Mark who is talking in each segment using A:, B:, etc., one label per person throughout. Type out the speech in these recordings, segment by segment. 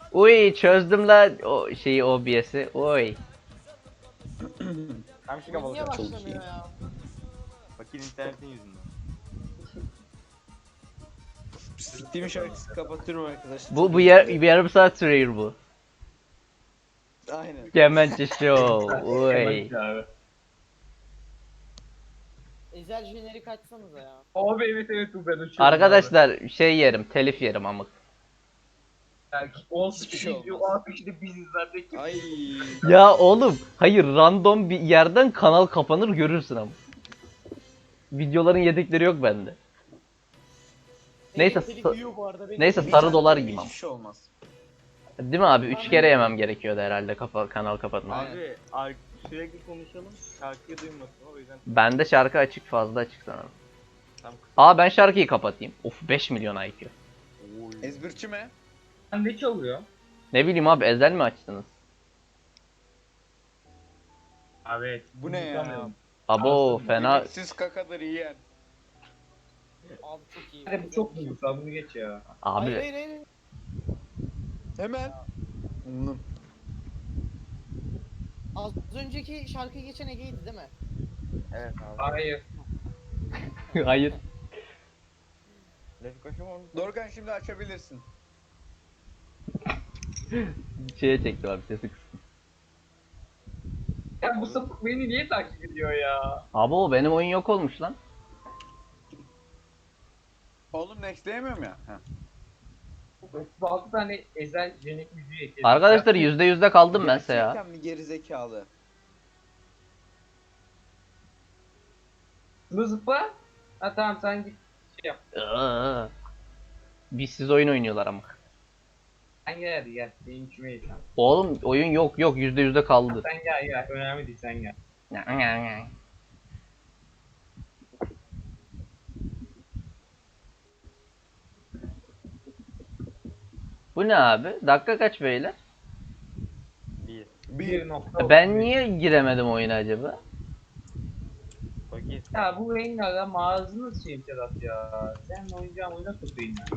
A: Uy çözdüm la o şeyi OBS'i. Oy.
B: Hem şey
C: Niye
B: kapalı.
C: başlamıyor ya?
B: Bakayım internetin yüzünden.
D: Steam şarkısı kapatıyorum arkadaşlar.
A: Bu bir yarım saat sürüyor bu.
D: Aynen.
A: Kemençe Show. Oy.
E: Abi.
C: Ezel jenerik açsanıza ya.
E: Abi evet bu ben uçuyorum.
A: Arkadaşlar şey yerim, telif yerim amık.
E: Yani 10
D: Hiçbir
E: kişi
D: şey
E: izliyor,
D: olmaz.
E: 10 kişi de biziz zaten.
D: Ay.
A: Ya oğlum, hayır random bir yerden kanal kapanır görürsün ama. Videoların yedekleri yok bende. Neyse,
C: Elektrik yiyor bu arada. Benim
A: neyse
D: Bir
A: sarı
D: tane
A: dolar
D: hiçbir
A: yiyeyim ama.
D: şey olmaz.
A: Değil mi abi? 3 kere yemem gerekiyordu herhalde kanal kapatma.
B: Abi sürekli konuşalım. Şarkıyı duymasın o yüzden.
A: Bende şarkı açık, fazla açık sanırım.
B: Tam
A: Aa ben şarkıyı kapatayım. Of 5 milyon IQ.
D: Ezbirçi mi?
E: Ne çalıyor?
A: Ne bileyim abi ezel mi açtınız?
E: Abi evet.
D: Bu ne ya?
E: Tutamıyorum.
A: Abo
E: Aslında
A: fena.
D: Yemeksiz kakadır yiyen.
C: Abi çok iyi.
E: Hadi bu çok duygusal bunu geç ya.
C: Hayır
A: Abi
C: hayır hayır.
D: Hemen. Umdum.
C: Az önceki şarkıyı geçen Ege'ydi değil mi?
B: evet abi.
E: Hayır.
A: hayır.
B: Lef koşum onu.
D: Dorgan şimdi açabilirsin.
A: Şeye çektim abi sesi kıstım.
E: Ya bu sapık beni niye takip ediyor ya?
A: Abo benim oyun yok olmuş lan.
D: Oğlum nextleyemiyorum ya. Heh.
E: 36 tane ezel jenik müziği ekledim.
A: Arkadaşlar %100'de kaldım bense ya.
D: Gerçekten mi gerizekalı?
E: Zıpla. Ha tamam sen git şey yap.
A: Iıı. Biz siz oyun oynuyorlar ama.
E: Sen gel hadi gel. Benim içime ye sen.
A: Oğlum oyun yok %100'de kaldı.
E: Sen gel. Önemli değil sen gel.
A: Bu ne abi? Dakika kaç beyler?
B: Bir.
E: 1.30.
A: Ben niye giremedim oyuna acaba?
B: Bakayım.
E: Ya bu Rengar'a mağazınız şey Sedat ya. Sen oynayacağın oyuna sokayım ya.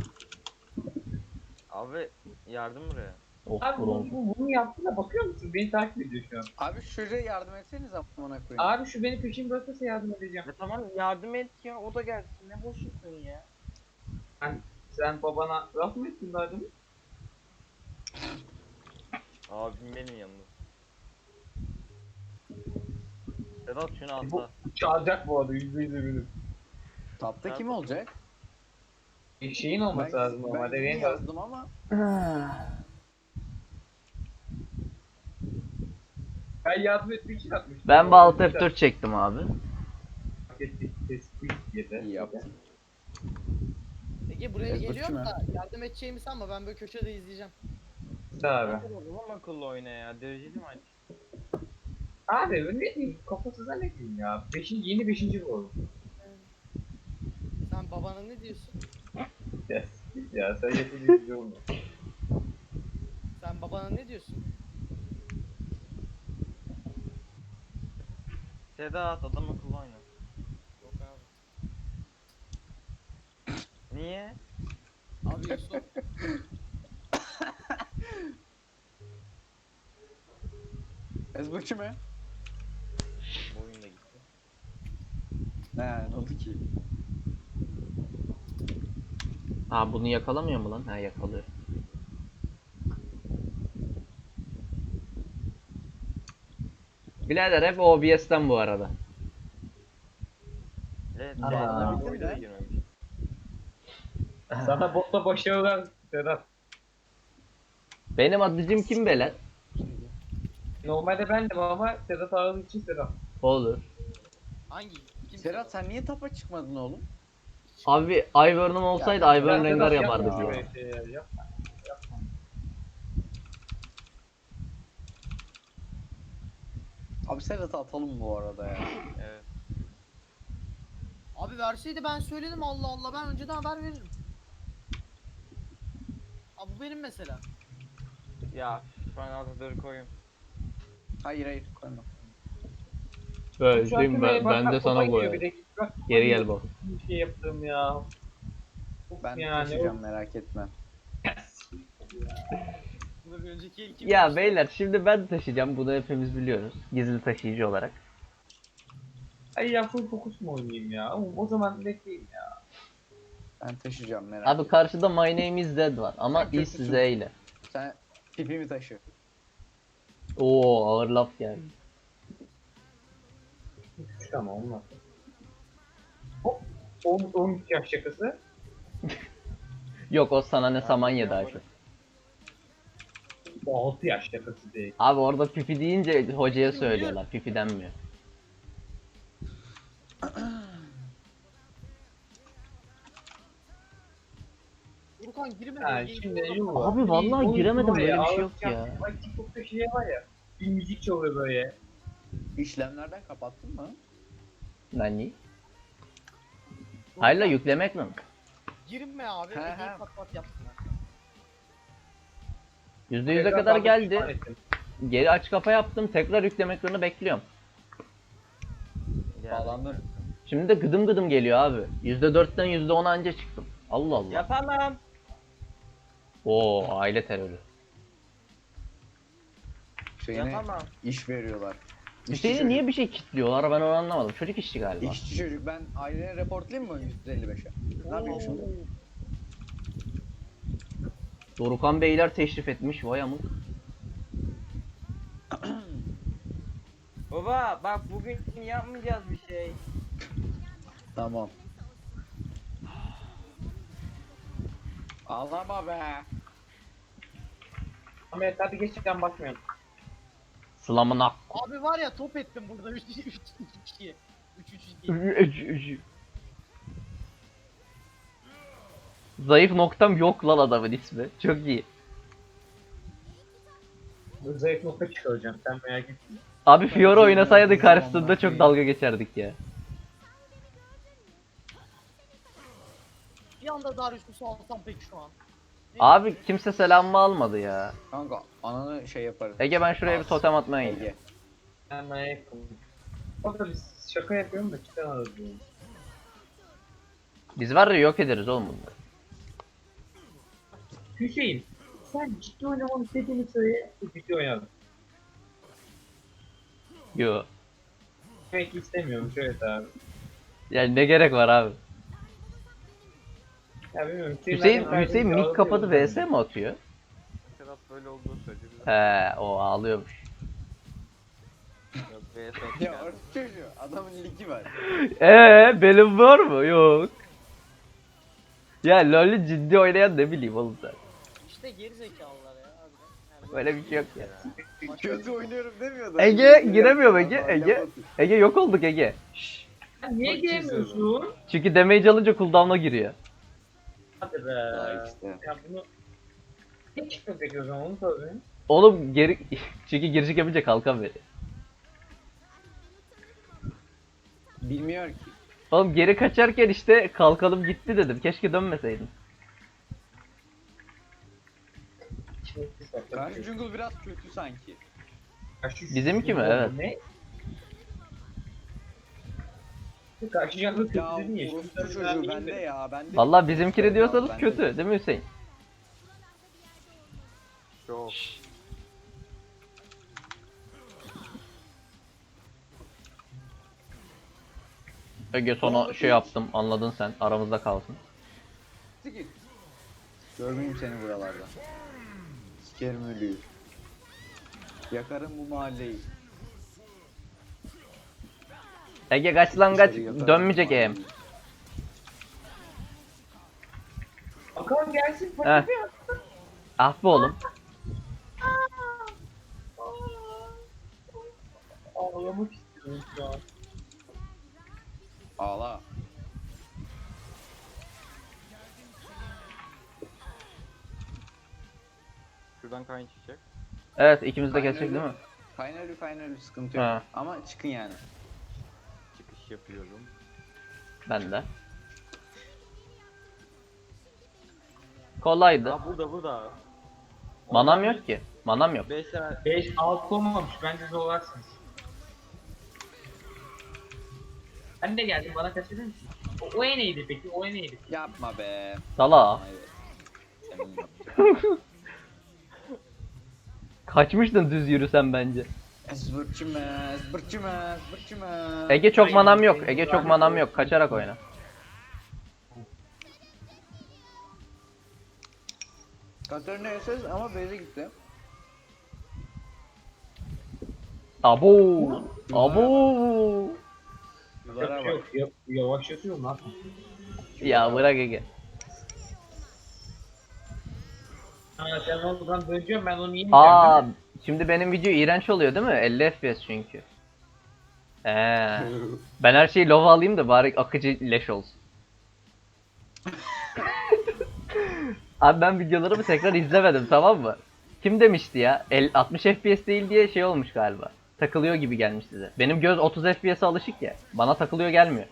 B: Abi yardım buraya.
A: Oh
E: Abi
A: bronz.
E: bunu yaptığına bakıyor musun? Beni takip ediyor şu an.
D: Abi şuraya yardım etseniz amına koyayım.
E: Abi şu beni peşimi bırakırsa yardım edeceğim.
B: Ya tamam yardım et ya o da gelsin ne boşluksun ya.
E: Sen babana laf mı ettin daha demin?
B: Abim benim yanımda. Sedat şunu
E: Bu
B: atla.
E: çalacak bu arada %100 eminim.
D: Tapta kim olacak?
E: Şeyin olması lazım
D: Ben
E: normalde.
D: yeni
E: Rengar
D: yazdım ama.
E: ben yardım etmek için atmıştım.
A: Ben Balt F4 çektim abi.
D: İyi yaptın.
C: Ege buraya
D: Ezberçi
C: geliyorum
D: mi?
C: da yardım edeceğimi sanma ben böyle köşede izleyeceğim.
E: Abi.
B: Abi. O zaman akıllı oyna ya. Dereceli mi aç?
E: Abi ben ne diyeyim kafasıza ne diyeyim ya. Yeni 5. bu oldu.
C: Sen babana ne diyorsun?
E: Ya sen yapınca güzel olmuyor.
C: Sen babana ne diyorsun?
B: Sedat adam akıllı oyna.
C: Yok abi.
B: Niye?
C: Abi Yusuf.
D: Ezbirçi mi?
B: Bu oyun da gitti.
D: Ne oldu ki?
A: Ha bunu yakalamıyor mu lan? Ha yakalıyor. Birader hep OBS'ten bu arada.
B: Evet.
E: Aa,
B: Sedat'la
D: o
B: bir de
D: yüzden.
B: girmemiş.
E: Sana botta başarılar Sedat.
A: Benim adıcım kim be lan?
E: Normalde bendim ama Sedat aradığı için Sedat.
A: Olur.
C: Hangi? Kim
D: Serhat sen niye tapa çıkmadın oğlum?
A: Abi Ivern'ım olsaydı
D: Ya,
A: Ivern
E: Ya
A: Rengar
E: Sedat,
A: yapardık
E: yapma
A: ya.
E: böyle şeyler, yapma. Yapma.
D: Abi Serhat'ı atalım bu arada ya.
B: Evet.
C: Abi verseydi ben söyledim Allah Allah ben önceden haber veririm. Abi bu benim mesela.
B: Ya ben Atatürk'ü koyayım.
D: Hayır koyma.
A: Böyle
E: Şu an
A: değil mi? Ben
E: bak,
A: de
E: bak,
A: sana
E: baba geliyor
A: koyarım.
E: bir dakika, bak,
A: Geri gel bak.
E: Bir şey yaptım ya. Of
D: Ben
E: yani,
D: taşıyacağım merak etme.
C: önceki el kim?
A: Ya beyler şimdi ben taşıyacağım. Bunu hepimiz biliyoruz. Gizli taşıyıcı olarak.
E: Ay ya full fokus mu oynayayım ya? O zaman bekleyin ya.
D: Ben taşıyacağım merak
A: Abi
D: etme.
A: karşıda My Name is Dead var ama
D: Sen
A: is
D: kötüsün.
A: Z ile.
D: Sen pipimi taşı.
A: Oo ağır laf geldi.
E: Tamam olmaz. Hop. 13 yaş şakası.
A: Yok o sana ne saman yedi Ayşe.
E: 6 yaş şakası değil.
A: Abi orada pipi deyince hocaya söylüyorlar. Pipi denmiyor.
C: Furkan girme.
E: Ha
C: bölgeye
E: şimdi
C: girme.
E: yuva.
A: Abi vallahi
E: Oğlum,
A: giremedim,
E: var
A: böyle bir şey yok
E: ağlatacağım.
A: ya.
E: Ay TikTok'ta şey var ya. Bir müzik çalıyor böyle.
D: İşlemlerden kapattın mı?
A: Nani? Hayla yüklemek mi?
C: Girme abi.
D: He, he.
C: Ege'yi pat pat yapsınlar.
A: %100'e kadar geldi. Geri aç kapa yaptım. Tekrar yüklemeklerini bekliyorum.
D: Bağlandım.
A: Şimdi de gıdım gıdım geliyor abi. %4'ten %10'a anca çıktım. Allah Allah.
B: Yapamam.
A: Oo aile terörü.
D: Şeyine
B: Yapamam.
D: iş veriyorlar.
A: Hüseyin'e niye bir şey kilitliyorlar ben onu anlamadım. Çocuk işçi galiba.
D: İşçi çocuk, ben ailene reportlayayım mı 155'e? Ne yapayım şimdi?
A: Dorukan Beyler teşrif etmiş vay amık.
B: Baba bak bugün yapmayacağız bir şey.
D: Tamam. Ağlama be.
E: Ahmet hadi geçtikten bakmıyorum.
A: Slamın ak.
C: Abi var ya top ettim burada 3 2. 3
A: Zayıf noktam yok lan adamın ismi. Çok iyi.
E: Zayıf nokta çıkaracağım sen merak etme.
A: Abi Fiora oynasaydı karşısında çok dalga geçerdik ya.
C: Bir anda Darius'u alsam peki şu an.
A: Abi kimse selamımı almadı ya.
D: Kanka ananı şey yaparım.
A: Ege ben şuraya bir totem atmaya gidiyorum.
D: Ege.
E: Ben merak etme. O da biz şaka yapıyorum da çıkamadık diyorum.
A: Biz var ya yok ederiz oğlum bunları.
E: Hüseyin sen ciddi oynamanı istediğini söyle. Ciddi oynadın.
A: Yo.
E: Demek ki istemiyormuş evet abi.
A: Yani ne gerek var abi?
E: Ya bilmiyorum.
A: Hüseyin mik kapadı vs mi atıyor?
B: Sedat böyle olduğunu söyledi.
A: He o ağlıyormuş.
D: Ya orası çocuğu. Adamın ligi var.
A: Benim var mı? Yok. Ya LoL'ü ciddi oynayan ne bileyim oğlum sen.
C: İşte geri zekalılar ya. harbiden. Yani
A: Böyle bir şey yok ya.
D: Kötü oynuyorum demiyordu.
A: Ege giremiyor Ege. Ege yok olduk Ege. Şşş.
E: Niye gelmiyorsun?
A: Çünkü damage alınca cooldown'a giriyor.
E: Hadi be.
D: Ya işte.
E: Ya bunu... Ne çıkmak bekliyorsun onu söyle.
A: Oğlum geri çünkü girişik yapınca kalkan veriyor.
D: Bilmiyor ki.
A: Oğlum geri kaçarken işte kalkalım gitti dedim. Keşke dönmeseydim.
D: Karşı jungle biraz kötü sanki.
A: Bizimki mi? Evet.
E: Ne? Karşı jungle kötü
D: Ya
E: dedin ya.
D: orospu çocuğu bende ya. Bende.
A: Vallahi bizimkini diyorsanız
D: Bende.
A: kötü değil mi Hüseyin?
B: Çok.
A: Ege sonra şey yaptım anladın sen aramızda kalsın.
D: Git. Görmeyeyim seni buralarda. Sikerim ölüyü. Yakarım bu mahalleyi.
A: Ege kaç lan kaç
D: Dışarı yakarım
A: dönmeyecek
D: bu
A: em.
D: mahalleyi.
E: Bakalım gelsin.
A: Heh. Ah be oğlum.
E: Ağlamak istiyorum şu an.
D: Ağla.
B: Şuradan kayın çıkacak.
A: Evet ikimiz de geçecek değil mi?
D: Final sıkıntı yok.
A: Ha.
D: Ama çıkın yani.
B: Çıkış yapıyorum.
A: Ben de. Kolaydı.
B: Aa burada.
A: Manam yok ki. Manam yok.
B: 5 saat.
E: 5 6 olmamış bence zorlarsınız. Ben de geldim bana kaçırır mısın? O neydi peki? O neydi?
D: Yapma be.
A: Sala.
D: Evet. Senin yapacağın.
A: Kaçmıştın düz yürüsen bence.
D: Zıbırçımez, zıbırçımez, zıbırçımez.
A: Ege çok manam yok. Ege çok manam yok. Kaçarak oyna.
D: Katarina SS ama base'e gitti.
A: Abo. Abo.
D: Yıllara bak.
E: Yok, yavaşlatıyor lan.
A: Ya bırak Ege.
E: Ha sen oradan döneceğim ben onu yemeyeceğim.
A: Aa, şimdi benim video iğrenç oluyor değil mi? 50 FPS çünkü. Ben her şeyi lova alayım da bari akıcı leş olsun. Abi ben videolarımı tekrar izlemedim, tamam mı? Kim demişti ya? 60 FPS değil diye şey olmuş galiba. Takılıyor gibi gelmiş size. Benim göz 30 FPS'e alışık ya. Bana takılıyor gelmiyor.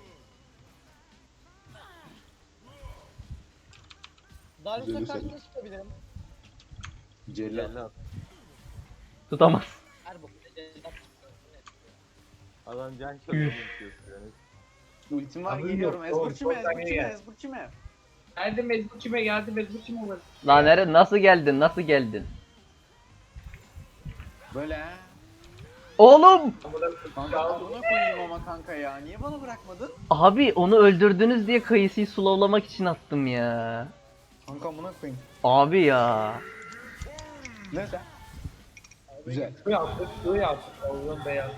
C: Darius'a karşı ne çıkabilirim?
D: Cellat.
A: Tutamaz.
C: Her bokuna cellat.
B: Adam can çalıyor.
D: Ultim var
E: Abi
D: geliyorum.
E: yok, doğru,
D: Ezburçime,
E: doğru,
D: ezburçime,
E: gel.
D: ezburçime.
E: Geldim Ezbuçime geldim Ezbuçime olur.
A: Lan nere nasıl geldin? Nasıl geldin?
D: Böyle ha.
A: Oğlum!
D: Kanka amına koyayım ama kanka ya. Niye bana bırakmadın?
A: Abi onu öldürdünüz diye kayısıyı slowlamak için attım ya.
D: Kanka amına koyayım.
A: Abi ya.
D: Neyse. Güzel.
E: Bu yaptık, bu yaptık. Allah'ım beyaz.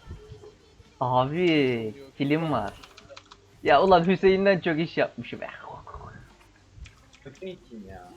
A: Abi film var. Ya ulan Hüseyin'den çok iş yapmışım.
E: Kötü için ya.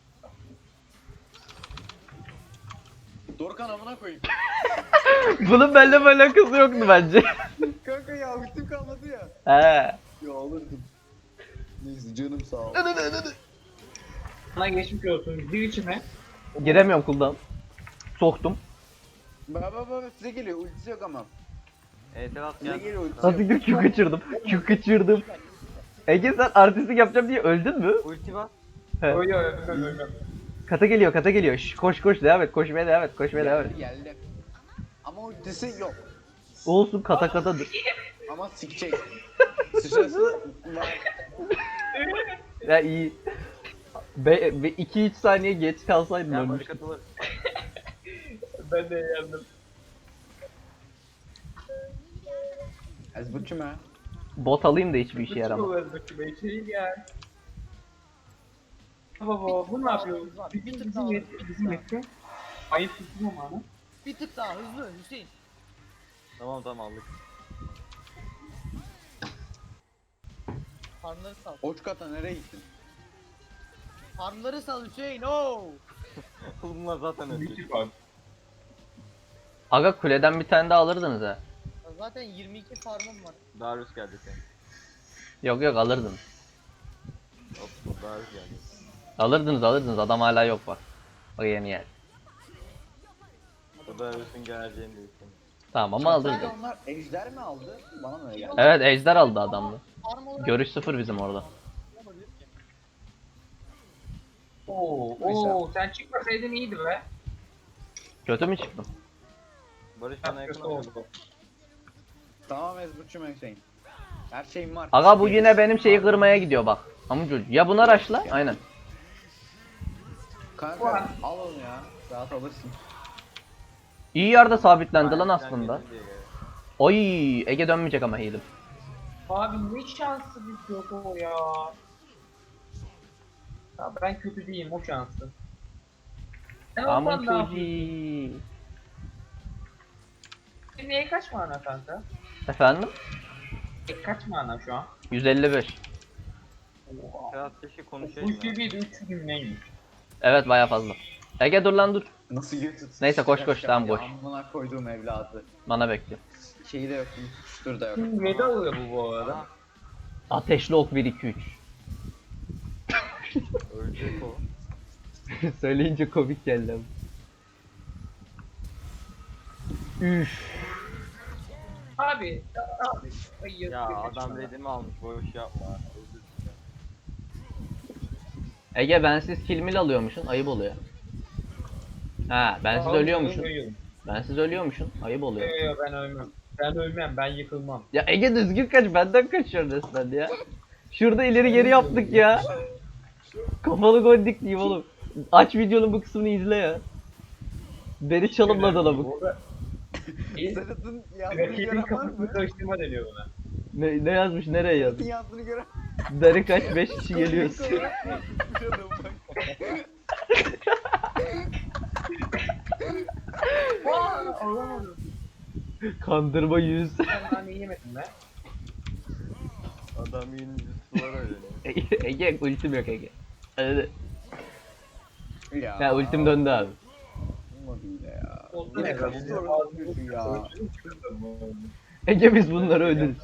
D: Dorukhan amına koyayım.
A: Bunun benimle alakası yoktu bence.
D: Kanka ya ultim kalmadı ya.
A: He.
D: Ya alırdım. Neyse canım sağ ol.
E: Sana geçmiş olsun. Bir içime.
A: Giremiyorum cooldown. Soktum.
D: Baba size geliyor ultisi yok ama.
B: Etraf
D: Size
B: geldi.
D: geliyor ultisi
A: Nasıl
D: yok.
A: bir Q kaçırdım. Q kaçırdım. Ege sen artistlik yapacağım diye öldün mü?
B: Ulti var.
A: He.
E: Öyle öyle.
A: Kata geliyor, kata geliyor. Şş, koş koş devam et. Koşmaya devam et. Koşmaya devam et.
D: Geldi. Ama ultisi yok.
A: Olsun kata katadır.
D: Ama sikecek. Sıçrası var.
A: Ya iyi. 2-3 saniye geç kalsaydın
B: Ya
A: ölmüş.
B: barış atılır.
E: Ben de yandım.
D: Ezburçime.
A: Bot alayım da hiçbir işe yaramaz.
E: Ezbuçime içeri gel. Baba bu ne yapıyor? Bizim etti. Ayıp tuttum ama ana.
C: Bir tık daha hızlı Hüseyin.
B: Tamam aldık.
C: Farmları sal.
D: Oçkata nereye gittin?
C: Farmları sal Hüseyin. Oo.
B: Bunlar zaten öldü.
E: Büyük var.
A: Aga kuleden bir tane daha alırdınız ha.
C: Zaten 22 farmım var.
B: Darius geldi sen.
A: Yok yok alırdınız.
B: Hop Darius geldi.
A: Alırdınız adam hala yok bak. Bak yeni yer.
B: O Darius'un geleceğini de istemiyor.
A: Tamam ama
D: Çantayla
A: alırdım.
D: onlar ejder mi aldı? Bana mı öyle geldi?
A: Evet ejder aldı adamlı.
C: Farm olarak
A: Görüş sıfır bizim orada.
C: olabilir ki.
E: Oo sen çıkmasaydın iyiydi be.
A: Kötü mü çıktım?
B: Barış bana
E: Kötü
B: yakın oldu.
E: oldu.
D: Tamam Ezburçime Hüseyin. Her şeyim var.
A: Aga bu yine benim şeyi kırmaya gidiyor bak. Amca ya buna raşla aynen.
D: Kanka al onu ya. Rahat alırsın.
A: İyi yerde sabitlendi lan
B: Aynen,
A: aslında.
B: geldi diye geldi.
A: Oy Ege dönmeyecek ama healim.
E: Abi ne şanslı bir yok o ya. Ya ben kötü değilim o şanslı. Sen
A: Aman
E: ondan ne yapıyorsun?
A: çocuğu.
E: Senin neye kaç mana kanka?
A: Efendim?
E: Kaç mana şu an?
A: 155.
E: Oha.
B: Kral keşke
E: Bu
B: konuşayım ya.
E: seviyede 3 gün neymiş?
A: Evet baya fazla. Ege dur lan dur.
D: Nasıl götürsün?
A: Neyse, koş, koş, tamam, koş.
D: Amına koyduğum evladı.
A: Bana bekle.
D: Şeyi de yok. Tutuştur da yok.
E: Ne alıyor bu arada?
B: Aha,
A: Ateşli ok 1 2 3.
B: ölecek o.
A: Söyleyince komik geldi ama. Üf.
E: Abi, abi. Ay,
B: Ya
E: yazık
B: adam
E: etmiş
B: redimi almış boş yapma. Özür dilerim.
A: Ege bensiz kilmil alıyormuşsun ayıp oluyor. Ha
E: bana.
A: bensiz
E: Abi,
A: ölüyormuşsun.
E: ölüyorum.
A: Bensiz ölüyormuşsun ayıp oluyor.
E: Yok ben ölmem. Ben ölmem ben yıkılmam.
A: Ya Ege düzgün kaç benden kaçıyor resmen ya. Şurada ileri geri yaptık ya. Kafalı gol dik diyeyim oğlum. Aç videonun bu kısmını izle ya. Beni çalımladı lavuk.
E: Orada
D: Sedat'ın yazdığını
E: rakibin
D: gören var
E: kafasını
D: mı?
E: karıştırma deniyor buna.
A: Ne yazmış, nereye
D: Sedat'ın
A: yazmış?
D: yazdığını gören
A: Dari kaç, 5 kişi geliyoruz.
E: Olamadım.
A: Kandırma yüz.
E: Ben daha yemedim ben.
B: Adam yeni var öyle.
A: Ege ultim yok Ege. Hadi.
D: Ya.
A: Ya ultim döndü abi.
D: Olmadı yine ya.
E: Oldu
D: Yine
E: ne?
D: kaçtı
E: Ağzını
D: orası diyorsun ya.
A: Ege biz bunları öldürürüz.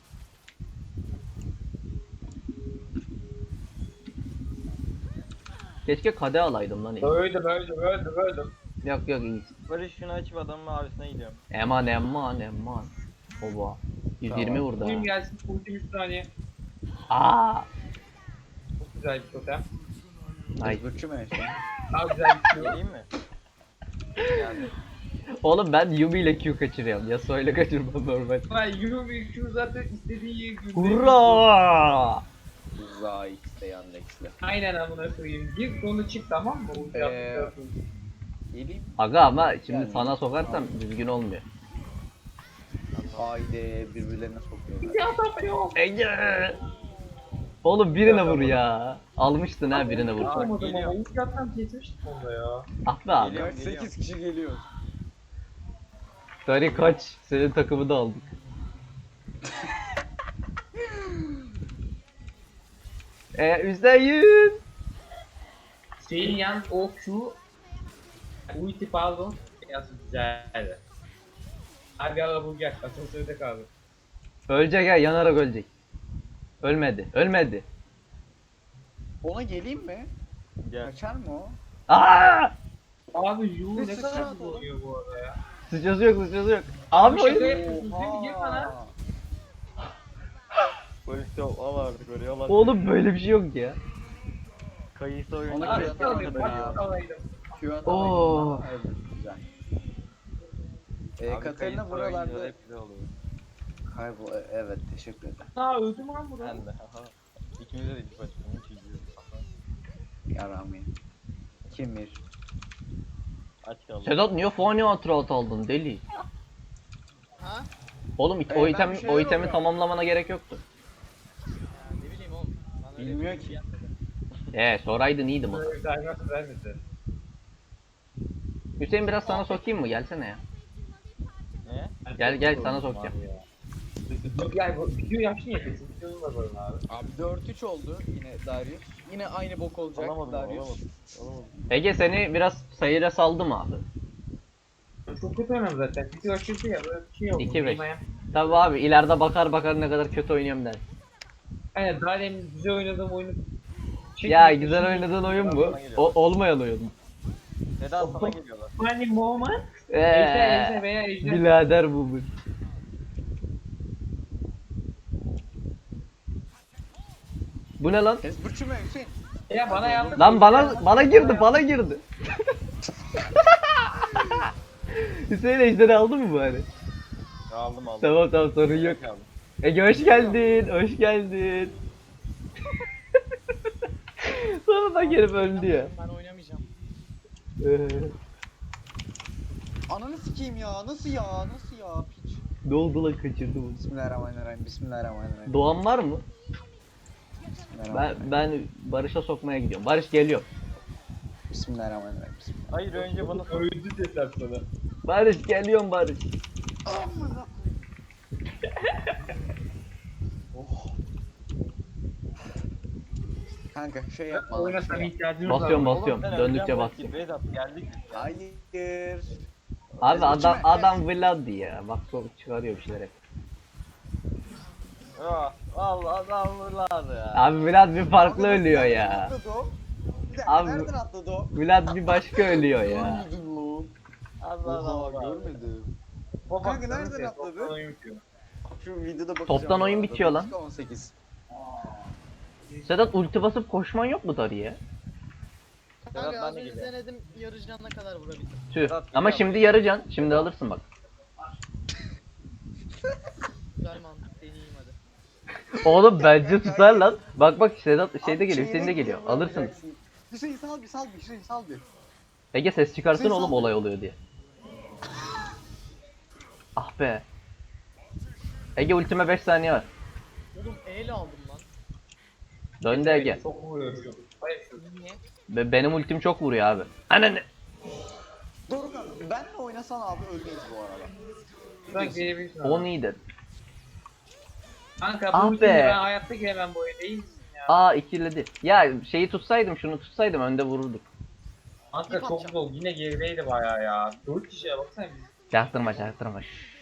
A: Keşke kade alaydım lan.
E: Öldüm.
A: Yok yok iyi.
B: Barış şunu açıp adamın mavisine gidiyorum.
A: Eman. Oba. 120
B: Tamam.
A: vurdu ha.
E: Ultim gelsin. Ultim 3 saniye.
A: Aa.
E: Çok güzel bir totem.
A: Nice.
D: Zırçı mı işte?
E: Daha güzel bir şey.
B: Geleyim mi? Yani
A: Oğlum ben Yumi ile Q kaçırıyorum. Yasuo ile kaçırmam normal.
E: Lan Yumi Q zaten istediği yeri günde.
A: Hurra!
D: Uzağa X'de Yandex'le.
E: Aynen amına koyayım. Gir sonu çık tamam mı? Ulti attıktan
D: Geleyim.
A: Aga ama şimdi
D: Yani-
A: sana sokarsam düzgün olmuyor.
D: Haydi birbirlerine sokuyorlar.
E: Ya adam yok.
A: Ege! Oğlum birine vur ya. Almıştın ha birine vur.
E: Olmadım ama
B: geliyor.
E: ulti atsam kesmiştim onda ya.
A: Ah be abi.
B: Geliyor.
D: Kaç 8 kişi geliyor.
A: Dari kaç. Senin takımı da aldık. %100.
E: Şeyin yan o Q ulti pardon. Biraz güzeldi. Abi ara bulacak. Asansörde kaldı.
A: Ölecek ya, yanarak ölecek. Ölmedi.
D: Ona geleyim mi?
B: gel.
D: Kaçar mı o?
A: Aa!
E: Abi Yu
D: Bir
E: ne
D: sıçra
E: kadar
D: atalım.
E: vuruyor bu arada ya.
A: Sıçrası yok. Abi
E: Şaka
A: oyun...
E: yapıyorsun değil mi? Gir bana.
B: Barış yok al artık oraya al artık.
A: Oğlum böyle bir şey yok ya.
B: Kayısı oyunu
D: Ona
E: Abi
D: göre
B: kadar
E: alayım.
B: yiyor.
E: Alayım.
D: Q
A: Oo.
D: atamaydım. Evet güzel.
B: Abi
D: Katarina
B: kayısı oyuncuları
D: buralarda
B: hep güzel oluyor.
D: kaybol. Evet teşekkür ederim.
E: Aa öldüm lan burada.
B: Ben de. Aha. İkimiz de ilk başta. Hiç izliyoruz. Aha.
D: Yarami. Kimir.
B: Aç kaldı.
A: Sedat niye fani hatırat aldın deli?
C: Ha?
A: Oğlum
D: Ben
A: o
D: bir
A: item
D: şeyler
A: o itemi
D: oluyor.
A: tamamlamana gerek yoktu.
C: Ya ne bileyim oğlum. Bana öyle
D: Bilmiyor
C: bir
D: ki.
C: şey yapmadı.
A: Soraydın iyiydim o.
E: Böyle bir diamond vermedi.
A: Hüseyin biraz sana sokayım mı? Gelsene ya.
B: Ne?
A: Gel sana sokacağım.
E: Yani bu video yaşlı yapıyorsun. Videonu da böyle abi.
D: Abi 4-3 oldu yine Darius. Yine aynı bok olacak
B: Alamadım
D: Darius.
B: alamadım.
A: Ege seni biraz sayıra saldım abi.
E: Çok kötü oynadım zaten. Video açıldı ya böyle bir şey oldu.
A: 2-5.
E: Bilmem.
A: Tabi abi ileride bakar ne kadar kötü oynuyorum der.
E: Aynen daha demin güzel oynadığım oyunu
A: Ya güzel oynadığın oyun bu. Olmayan oyun mu?
B: Neden sana geliyorlar?
E: Funny moment. Ejder veya ejder.
A: Birader bu. Bu ne lan?
D: Hezburçu mu Hüseyin?
E: Ya bana yardım.
A: Lan bana girdi. Hüseyin ejderi aldı mı bari?
B: Aldım.
A: Tamam sorun yok.
B: Aldım.
A: Ege hoş geldin. Sonunda gelip öldü ya.
C: Ben oynamayacağım.
D: Ananı sikeyim ya. Nasıl ya? Nasıl ya? Piç.
A: Ne oldu lan kaçırdı bunu.
D: Bismillahirrahmanirrahim.
A: Doğan var mı?
D: Bismillahirrahmanirrahim.
A: Ben Barış'a sokmaya gidiyorum. Barış geliyor.
D: Bismillahirrahmanirrahim.
B: Hayır önce bana sor.
E: Öldü dediler sana.
A: Barış geliyorum Barış.
D: Kanka şey yapma.
E: Oyuna
D: Şey
E: sana
D: yap.
E: ihtiyacımız var.
A: Basıyorum.
B: Oğlum sen
A: Döndükçe
B: öleceksin
A: basacağım.
B: bak, Vedat geldik.
D: Hayır.
A: Abi
D: Hezbollah
A: adam Vlad ya. Bak çok çıkarıyor bir şeyler hep.
B: Allah adamlar ya.
A: Abi Vlad bir farklı
D: Abi,
A: ölüyor
D: nereden
A: ya.
D: atladı o? Bir dakika
A: Abi-
D: nereden atladı o?
A: Vlad bir başka ölüyor ya.
D: Görmedim lan.
B: Allah
D: Oha
B: Allah.
D: görmedim.
E: Baba,
D: Kanka
E: sana
D: nereden
E: şey,
D: atladı?
E: toptan oyun bitiyor.
D: Şu videoda bakacağım.
A: Toptan oyun
D: bu arada.
A: bitiyor lan.
D: Dakika 18.
A: Sedat ulti basıp koşman yok mu Dari'ye?
B: Sedat
C: Kanka
B: ben
C: az
B: de
C: önce
B: geliyorum.
C: denedim yarı canına kadar vurabildim.
A: Tüh.
B: Sedat
A: Ama
B: geliyor.
A: şimdi yarı can. Şimdi alırsın bak.
C: Güzel mantık deneyeyim hadi.
A: Oğlum bence tutar lan. Bak Sedat şeyde geliyor. Hüseyin de geliyor. Alırsın.
D: Hüseyin sal bir Hüseyin sal bir.
A: Ege ses çıkarsın
D: Hüseyin
A: oğlum
D: sal.
A: olay oluyor diye. Ah be. Ege ultime 5 saniye var.
C: Oğlum E'yle aldım lan.
A: Döndü Ege.
E: Çok vuruyorsun. Hayır şu.
C: Niye?
A: Benim ultim çok vuruyor abi. Ananı.
D: Dorukhan benle oynasan abi ölmeyiz bu arada.
E: Şuradan girebilirsin
A: O
E: abi.
A: needed.
E: Kanka
A: Ah
E: bu ultiyle
A: be.
E: ben hayatta giremem bu oyuna. İyi misin ya?
A: Aa ikiledi. Ya şeyi tutsaydım, şunu tutsaydım önde vururduk.
E: Kanka
C: İp
E: çok
C: atacağım.
E: zor. Yine gerideydi bayağı ya. 4 kişiye baksana biz.
A: Çaktırma çaktırma. Şşş.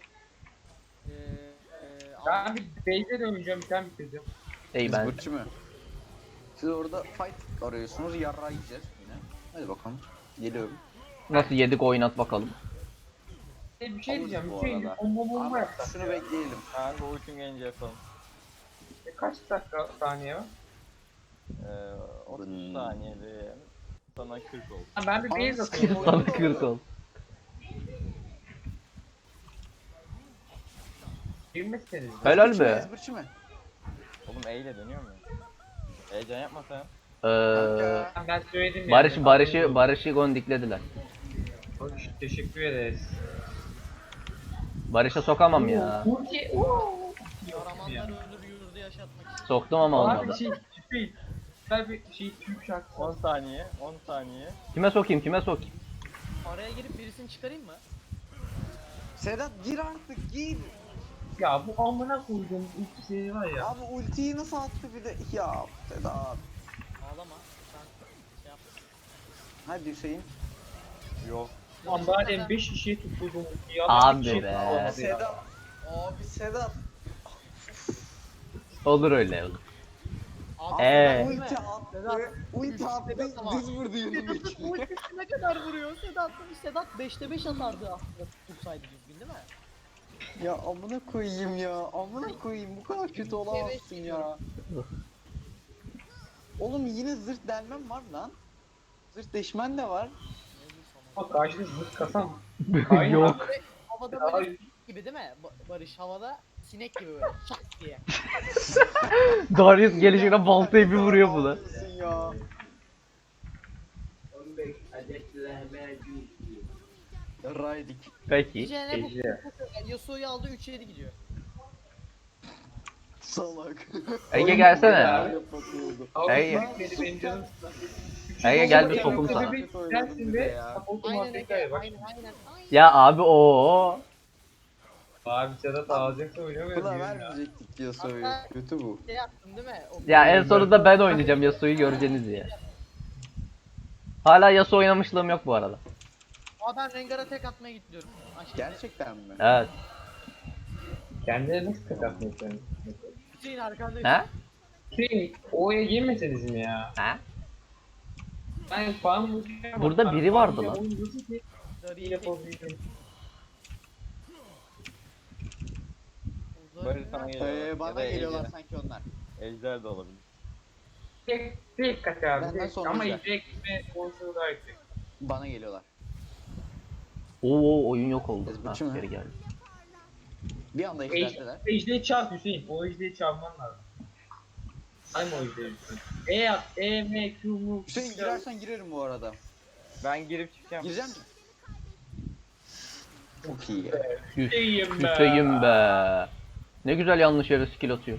E: Ben bir base'e döneceğim. Bir tane bitirdim.
A: Ey ben.
D: Zıbırçı mı? Siz orada fight arıyorsunuz, yarrağı yiyeceğiz yine. Hadi bakalım. Geliyorum.
A: Nasıl yedik oynat bakalım.
E: Bir şey
D: Alırız
E: diyeceğim.
D: bu
E: Bir şey
D: arada.
E: bomba
D: Ama
E: yapsak.
D: şunu bekleyelim.
B: Ben bu ultim gelince yapalım.
E: Kaç dakika saniye var?
B: 30
D: Hmm.
B: saniyede sana 40 oldu.
E: Ha, ben bir base
D: Anasını
E: atayım.
A: Sana 40 ol.
E: 20'siniz.
A: Helal
D: Zıbırçı mı,
A: be.
D: Zıbırçı mı?
B: Oğlum E ile dönüyor mu? Heyecan yapma sen.
D: Kanka.
E: Ben söyledim
A: Barış'ı gondiklediler.
E: Barış, teşekkür ederiz.
A: Barış'a sokamam ya.
E: Ulti.
C: Kahramanlar öldür yurdu yaşatmak için.
A: Soktum ama
E: Abi
A: olmadı.
E: güzel bir şey Türk şarkısı.
B: 10 saniye, 10 saniye.
A: Kime sokayım kime sokayım?
C: Araya girip birisini çıkarayım mı?
D: Sedat gir artık gir.
E: Ya bu amına koyduğum ulti seri var ya.
D: Abi ultiyi nasıl attı bir de? Ya Sedat.
C: Ağlama. Sen şey yap.
D: Hadi Hüseyin.
B: Yok.
E: Lan bari 5 kişiye tutturdum ultiyi. Ya,
A: Abi
E: bir kişiye
A: be.
E: tutamadı ya.
D: Sedat. Abi Sedat.
A: Olur öyle olur.
C: Abi,
A: Ee.
C: değil mi?
D: Ulti attı.
C: Sedat.
D: Ulti attı.
C: Sedat ama.
D: Düz vurdu yanım için.
C: Ultisi ne kadar vuruyor Sedat? Sedat 5'te 5 atardı aslında tutsaydı düzgün değil mi?
D: Ya amına koyayım ya. Amına koyayım. Bu kadar kötü olamazsın ya. Oğlum yine zırt delmem var lan. Zırt deşmen de var.
E: Bak karşıda zırt kasam.
A: Yok.
C: Havada
E: Ay.
C: böyle gibi değil mi? Barış havada sinek gibi böyle şak diye.
A: Darius gelişine baltayı bir vuruyor buna.
D: Ağlıyorsun ya. Raydik.
A: Peki.
C: Diyeceğine bu
E: Ece.
C: Yasuo'yu aldı 3-7 gidiyor.
D: Salak.
A: Ege gelsene.
D: Yapatıyordu.
E: Abi
A: Ege.
E: beni benim canım.
A: Ege gel bir sokum sana.
E: Sensin ve supportum
C: Aynen
E: Afrika'ya
C: Ege,
E: bak.
C: aynen.
A: Ya abi o.
E: Abi Sedat ağlayacaksa oynamıyor
D: Buna
E: muyum ya?
D: vermeyecektik ya soyu.
C: Hatta-
D: Kötü bu.
C: Şey yaptın değil mi? O
A: Ya en sonunda ben oynayacağım Yasuo'yu göreceğiniz ya. Hala Yasuo oynamışlığım yok bu arada.
C: Aa ben Rengar'a tek atmaya gidiyorum. Aşkım.
D: Gerçekten mi?
A: Evet.
E: Kendine nasıl tek atmıyorsun?
C: Hüseyin arkandayım.
A: Ha?
E: Şey, O'ya girmeseniz mi ya?
A: Ha?
E: Ben falan
A: Burada biri vardı lan.
C: Darıyı
E: Yapabilirim.
C: tek-
B: Barış sana geliyor.
D: Bana
B: Ya da
D: geliyorlar
B: Ejder.
D: sanki onlar.
B: Ejder de olabilir.
E: Tek kaç abi.
D: Benden sonra
E: Ama
D: güzel.
E: izleyek gitme konusunu daha yüksek.
D: Bana geliyorlar.
A: Oo oyun yok oldu.
D: Biz
A: Ha,
D: biçim ha.
A: geri geldi.
D: Bir anda eklendiler.
E: Ejde'yi çarp Hüseyin. O Ejde'yi çarpman lazım. Ay mı o Ejde'yi Hüseyin? E at, E, M, Q, mu?
D: Hüseyin girersen girerim bu arada.
B: Ben girip çıkacağım.
D: Gireceğim mi? Çok iyi.
E: Hüseyin be.
A: Hüseyin be. Ne güzel yanlış yere skill atıyor.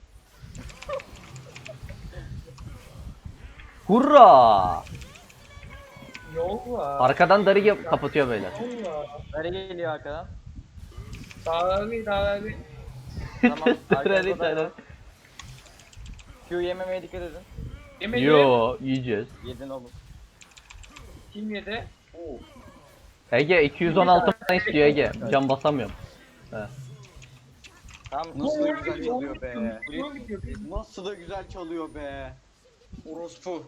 A: Hurra!
E: Yol var.
A: Arkadan Darı kapatıyor beyler.
E: Yol var.
B: Nereye geliyor arkadan?
E: Dağlar bir.
B: Tamam.
A: Darı
B: Arkada da
A: Darı.
B: Q yememeye dikkat edin.
E: Yemedi.
A: Yo yiyeceğiz.
B: Yedin oğlum.
E: Kim yedi?
A: Ege 216 mana istiyor Ege. Can basamıyorum.
B: Tamam.
D: Nasıl da güzel çalıyor be.
E: Buraya gidiyor.
D: Nasıl da güzel çalıyor be. Orospu.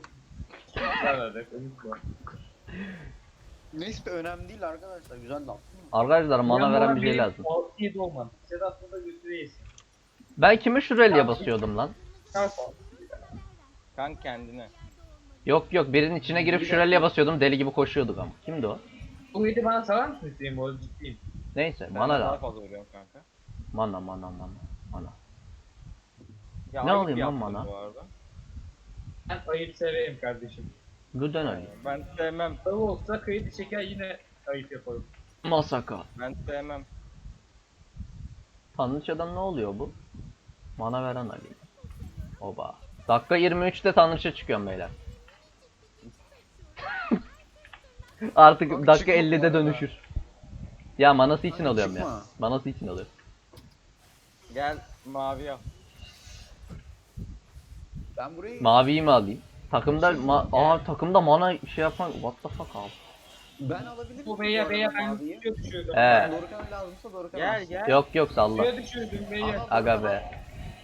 D: Neyse önemli değil arkadaşlar. Güzel laf.
A: Arkadaşlar mana veren bir şey lazım.
E: 6-7 olmadı. Sedat'la da götüreyiz.
A: Ben kime şuraya basıyordum lan?
E: Çarp.
B: Kank kendine.
A: Yok yok birinin içine girip şuraya basıyordum deli gibi koşuyorduk ama. Kimdi o?
E: Bu 7 bana sarar mısın Hüseyin? Bu arada ciddiyim.
A: Neyse
B: Ben
A: mana
B: daha
A: lazım.
B: fazla vuruyorum kanka.
A: Mana.
B: Ya
A: Ne
B: ayıp
A: alayım lan
B: yaptın
A: bana?
B: Bu arada.
E: Ben ayıp severim kardeşim.
A: Gülden Ali.
B: Ben sevmem.
E: Tabii olsa kredi çeker yine ayıp yaparım.
A: Masaka.
B: Ben sevmem.
A: Tanrıçadan ne oluyor bu? Mana veren Ali. Oba. Dakika 23'te Tanrıça çıkıyorum beyler. Artık
D: Kanka
A: dakika
D: çıkma bu
A: 50'de
D: arada.
A: dönüşür. Ya manası için
D: Kanka
A: alıyorum ya.
D: çıkma.
A: Manası için alıyorum.
B: Gel mavi yap.
D: Ben burayı
A: Maviyi mi alayım? Takımda mana şey yapan what the fuck abi.
D: ben alabilirim.
E: Bu
D: bu
E: beye
D: arada
E: beye ben
D: maviyi.
E: suya düşürdüm.
A: He.
D: Dorukhan'a lazımsa Dorukhan
B: Gel
D: alsın.
B: gel.
A: Yok salla.
E: Suya düşürdüm beye.
A: Aga be.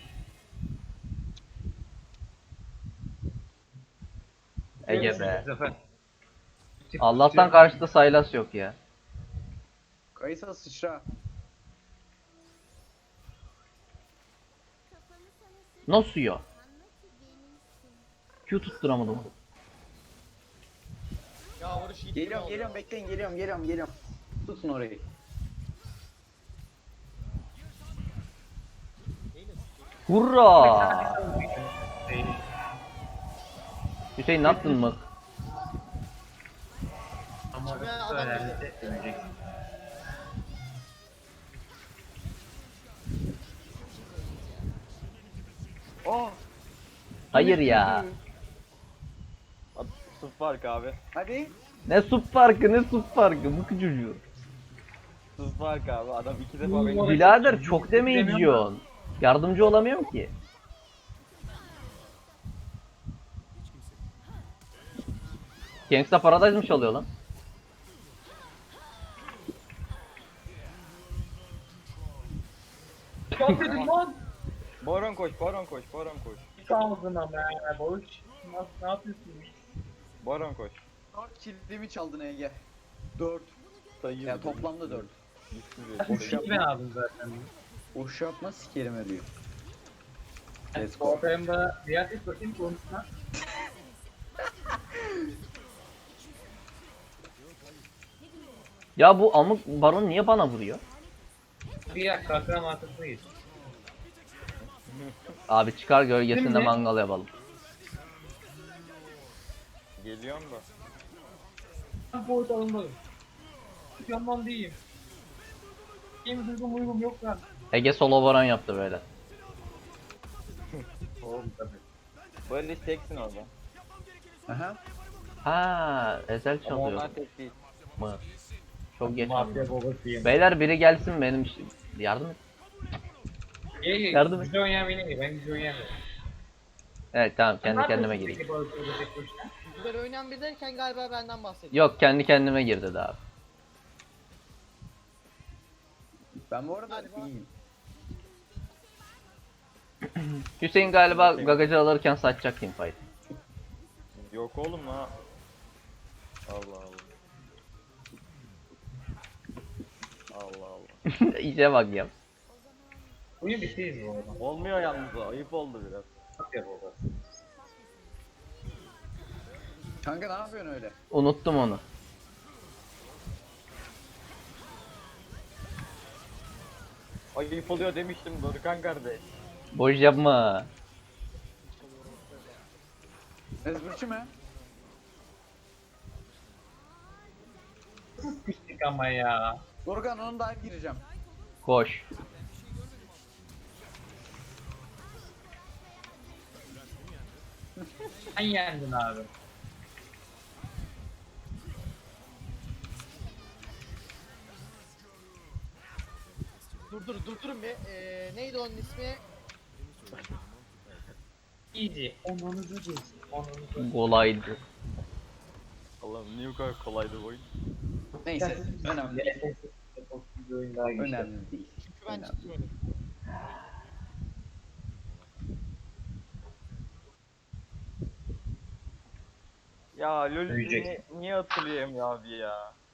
A: Ege be.
E: Zafer.
A: Allah'tan karşıda Sylas yok ya.
D: Kayısa sıçra.
A: Nasıl ya? Q tutturamadım.
C: Ya vuruş iyi.
D: Geliyorum bekleyin geliyorum. Tutun orayı.
A: Hurra! Hüseyin ne yaptın mı?
E: Ama
C: Kime adam
E: önemli
C: dedi?
E: demeyecek.
B: Oh.
A: Hayır ya.
B: Sıf fark abi.
D: Hadi.
A: Ne sup farkı ne sup farkı bu çocuğu.
B: Sıf fark abi. Adam 2 defa beni.
A: Birader çok damage yiyorsun. Yardımcı olamıyorum ki. Gangsta Paradise mı çalıyor lan?
E: Çok dedim lan.
B: Baron koş, baron koş, baron koş.
E: Saldın ama ya. Boş. Ne yapıyorsun?
B: Baron koş.
D: 4 kilimi çaldın Ege. 4.
B: Sayı.
D: Ya toplamda 4.
B: Yüzsüz
E: İki ben aldım zaten.
D: Boş yapma sikerim ölüyor. Let's go.
E: Ortaya da biat et bakayım konuşma.
A: Ya bu amık baron niye bana vuruyor?
E: Bir dakika kalkan mantıklıyız.
A: Abi çıkar gölgesinde
E: Şimdi-
A: mangal yapalım.
B: Geliyorum da.
E: Ben boyut alınmadım. Yanmam değilim. Benim duygum uygum yok lan.
A: Ege solo baron yaptı böyle.
E: Oğlum tabii.
B: Böyle teksin orada.
D: Aha.
A: Ha, Ezel
B: Ama
A: çalıyor.
B: onlar tek değil.
A: Mı? Çok geç.
E: Mafya babasıyım.
A: Beyler biri gelsin benim yardım et. Yardım et.
E: Güzel oynayan benim gibi. Ben güzel oynayamıyorum.
A: Evet tamam
E: Ne
A: kendi kendime
E: yapıyorsun
A: gireyim.
E: peki balık orada tek başına?
C: Güzel oynayan bir derken galiba benden bahsediyor.
A: Yok kendi kendime girdi daha.
D: Ben bu arada
C: Galiba-
D: iyiyim.
A: Hüseyin galiba gagacı alırken saçacak teamfight.
B: Yok oğlum la. Allah Allah. Allah Allah.
A: İyice bak ya.
E: Oyun bittiyiz bu arada.
B: Olmuyor yalnız o. Ayıp oldu biraz.
E: Mafya babası.
D: Kanka ne yapıyorsun öyle?
A: Unuttum onu.
B: Ayıp oluyor demiştim Dorukhan kardeş.
A: Boş yapma.
D: Ezberçi mi?
E: Pislik ama ya.
D: Dorukhan onun dive gireceğim.
A: Koş.
E: Sen yendin abi.
C: Durdurun bir. Neydi onun ismi?
E: Easy. Onunuzu geçsin. Onunuzu.
A: Kolaydı.
B: Allah'ım niye bu kadar kolaydı bu oyun?
D: Neyse önemli değil.
E: Bir oyun daha geçti.
D: Önemli değil.
C: Çünkü ben
D: Önemli.
C: ciddi oynadım.
B: Ya LoL
E: Ölecek.
B: niye hatırlayayım ya abi ya?